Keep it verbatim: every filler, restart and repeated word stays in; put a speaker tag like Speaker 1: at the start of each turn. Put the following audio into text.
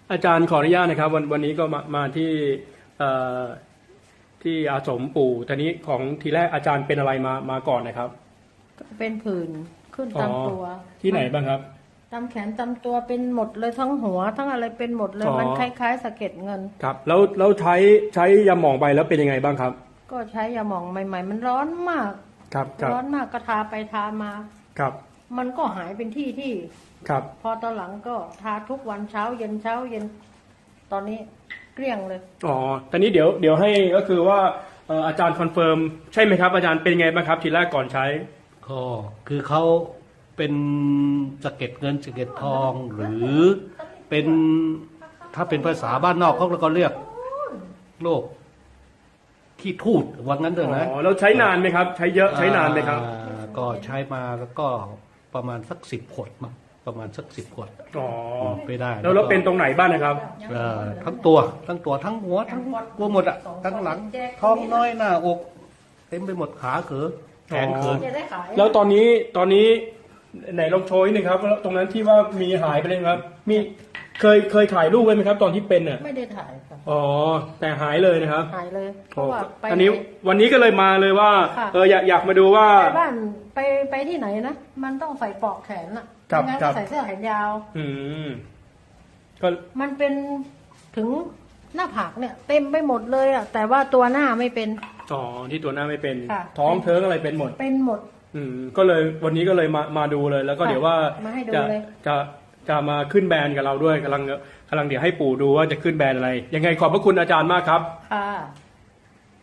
Speaker 1: อาจารย์ขออนุญาตนะครับวันวันนี้ก็มามาที่เอ่อที่อาสมปู่ตอนนี้ของทีแรกอาจารย์เป็นอะไรมามาก่อนนะครับ
Speaker 2: เป็นผื่นขึ้นตามตัว
Speaker 1: ที่ไหนบ้างครับ
Speaker 2: ตามแขนตามตัวเป็นหมดเลยทั้งหัว ทั้งอะไรเป็นหมดเลย
Speaker 1: อ๋อ
Speaker 2: มันคล้ายๆสะเก็ดเงิน
Speaker 1: ครับแล้วแล้วใช้ใช้ยาหม่องไปแล้วเป็นยังไงบ้างครับ
Speaker 2: ก็ใช้ยาหม่องใหม่ ๆ มันร้อนมาก
Speaker 1: ครับครับ
Speaker 2: ร้อนมากก็ทาไปทามา
Speaker 1: ครับ
Speaker 2: มันก็หายเป็นที่ที่
Speaker 1: ครับ
Speaker 2: พอตอนหลังก็ทาทุกวันเช้าเย็นเช้าเย็น ตอนนี้เกลี้ยงเลย
Speaker 1: อ๋อตอนนี้เดี๋ยวเดี๋ยวให้ก็คือว่าเอ่ออาจารย์คอนเฟิร์มใช่ไหมครับอาจารย์เป็นไงบ้างครับทีแรกก่อนใช้
Speaker 3: ก็คือเขาเป็นสะเก็ดเงินสะเก็ดทองหรือเป็นถ้าเป็นภาษาบ้านนอกเขาก็เรียกโรคขี้ทูดว่างั้นเถอะนะ
Speaker 1: อ๋อแล้วใช้นานไหมครับ ใช้เยอะใช้นานไหมครับ
Speaker 3: อ่าก็ใช้มาแล้วก็ประมาณสักสิบขวดมั้งประมาณสักสิบขวด
Speaker 1: อ๋อ
Speaker 3: ไปได้
Speaker 1: แล้วแล้วเป็นตรงไหนบ้างนะครับ
Speaker 3: เอ่อทั้งตัวทั้งตัวทั้งหัวทั้งตัวหมดอะทั้งหลังท้องน้อยหน้าอกเต็มไปหมดขาเขือแขนเขือ
Speaker 2: จะได้ขาย
Speaker 1: แล้วตอนนี้ตอนนี้ไหนลองโชว์นิดนึงครับแล้วตรงนั้นที่ว่ามีหายไปเลยครับ มีเคยเคยถ่ายรูปไว้ไหมครับ ตอนที่เป็นอ่ะ
Speaker 2: ไม่ได้ถ่ายค่ะ
Speaker 1: อ๋อแต่หายเลยนะครับ
Speaker 2: หายเลยเพ
Speaker 1: โอ้
Speaker 2: ราะว่าไป
Speaker 1: อันนี้วันนี้ก็เลยมาเลยว่า
Speaker 2: ค่ะ
Speaker 1: เอออยากอยากมาดูว่า
Speaker 2: ไปบ้านไปไปที่ไหนนะมันต้องใส่ปลอกแขนอะ
Speaker 1: ครับ
Speaker 2: ไม่งั้น
Speaker 1: ครั
Speaker 2: ก็
Speaker 1: บ
Speaker 2: ใส่เสื้อแขนยาว
Speaker 1: อืมก็
Speaker 2: มันเป็นถึงหน้าผากเนี่ย เต็มไปหมดเลยอะแต่ว่าตัวหน้าไม่เป็น
Speaker 1: อ๋อที่ตัวหน้าไม่เป็น
Speaker 2: ค่ะ
Speaker 1: ท้องเทิงอะไรเป็นหมด
Speaker 2: เป็นหมด
Speaker 1: อืมก็เลยวันนี้ก็เลยมามาดูเลย แล้วก็
Speaker 2: ค่ะ
Speaker 1: เดี๋ยวว่า
Speaker 2: มาให้ดู
Speaker 1: จะ
Speaker 2: เลย
Speaker 1: จะจะมาขึ้นแบรนด์กับเราด้วยกำลังกำลังเดี๋ยวให้ปู่ดูว่าจะขึ้นแบรนด์อะไร ยังไงขอบพระคุณอาจารย์มากครับ
Speaker 2: ค่ะ